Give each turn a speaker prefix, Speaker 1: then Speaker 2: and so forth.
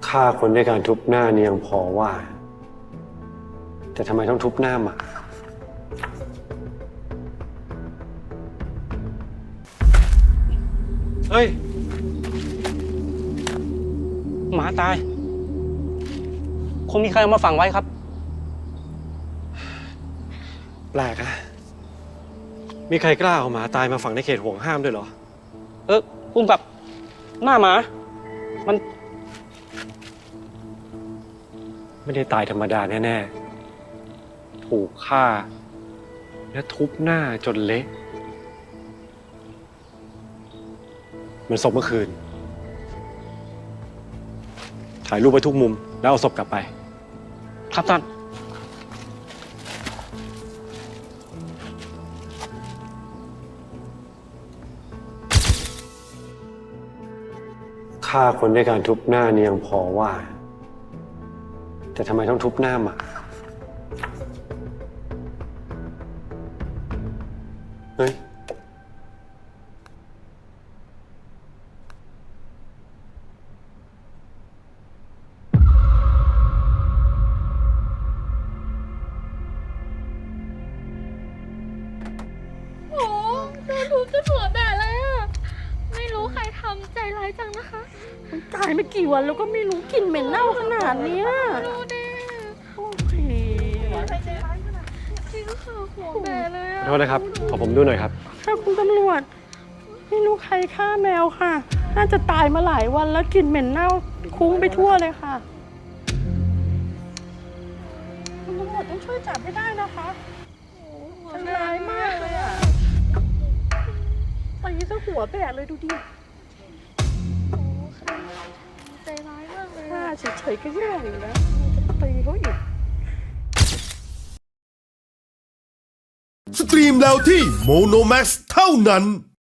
Speaker 1: ฆ่าคนด้วยการทุบหน้านี่ยังพอว่า แต่ทำไมต้องทุบหน้าหมาเฮ้ย
Speaker 2: หมาตาย คงมีใครเอามาฝังไว้ครับ
Speaker 1: แปลกอะมีใครกล้าเอาหมาตายมาฝังในเขตห่วงห้ามด้วยเหรอ
Speaker 2: พุ่มกับหน้าหมา มัน
Speaker 1: ไม่ได้ตายธรรมดาแน่ๆ ถูกฆ่า และทุบหน้าจนเละเหมือนศพเมื่อคืน ถ่ายรูปไปทุกมุม แล้วเอาศพกลับไป
Speaker 2: ครับท่าน
Speaker 1: ฆ่าคนด้วยการทุบหน้านี่ยังพอว่า แต่ทำไมต้องทุบหน้าหมาเฮ้ย
Speaker 3: โอ้โดนทุบจนหัวแบะเลยอะไม่รู้ใครทำใจร้ายจังนะคะ
Speaker 4: มันตายไม่กี่วันแล้วก็ไม่รู้กลิ่นเหม็นเน่าขนาดเนี้ย
Speaker 3: ดูดิ
Speaker 4: โอ้ย
Speaker 3: จริงค่ะหัวแบะเลยอะ
Speaker 1: ขอโทษนะครับ ขอผมดูหน่อยครับ
Speaker 4: ถ้าคุณตำรวจไม่รู้ใครฆ่าแมวค่ะ น่าจะตายมาหลายวันแล้วกลิ่นเหม็นเน่าคุ้งไปทั่วเลยค่ะคุณตำรวจต้องช่วยจับให้ได้นะคะ
Speaker 3: หัว
Speaker 4: มัน
Speaker 3: แบะ
Speaker 4: ร้ายมากเลยอ่ะตีซะหัวแบกเลยดูดิ
Speaker 3: โอ้ค่ะใจร้ายมากเลย
Speaker 4: ฆ่า
Speaker 3: อะ
Speaker 4: เฉยๆก็แย่อยู่แล้วจะตีเขาอีก
Speaker 5: สตรีมแล้วที่โมโนแม x เท่านั้น